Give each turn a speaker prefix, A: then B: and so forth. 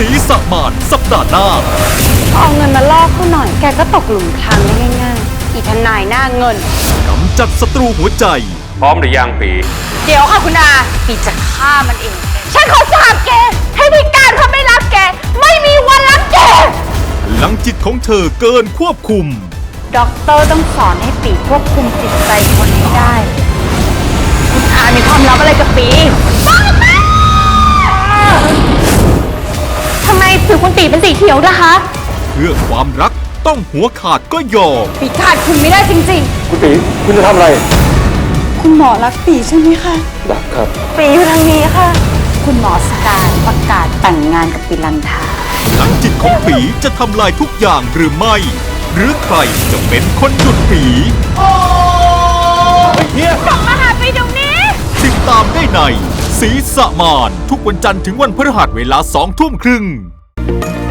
A: ศรีสะมานสัปดาห์หน้า
B: เอาเงินมาล่อเขาหน่อยแกก็ตกหลุมพรางได้ง่ายๆอีทนายหน้าเงิน
A: กำจัดศัตรูหัวใจ
C: พร้อมหรือยังปี
B: เดี๋ยวค่ะคุณอาปีจะฆ่ามันเองฉันขอสาบแกให้พิการเขาไม่รักแกไม่มีวันรักแก
A: พลังจิตของเธอเกินควบคุม
B: ด็อกเตอร์ต้องสอนให้ปีควบคุมจิตใจคนให้ได้คุณอามีความลับอะไรกับปีทำไมผิวคุณปีเป็นสีเขียวนะคะ
A: เพื่อความรักต้องหัวขาดก็ยอม
B: ปีขาดคุณไม่ได้จริง
C: คุณปีคุณจะทำอะไร
B: คุณหมอรักปีใช่ไหมคะ
C: รักครับ
B: ปีอยู่ทางนี้ค่ะคุณหมอสการประกาศแต่งงานกับปีลันทา
A: พลังจิตของปีจะทำลายทุกอย่างหรือไม่หรือใครจะเป็นคนหยุดปี
B: กลับมาหาปีเดี๋ยวนี้
A: ติดตามได้ในศรีสะมานทุกวันจันทร์ถึงวันพฤหัสเวลา 20:30 น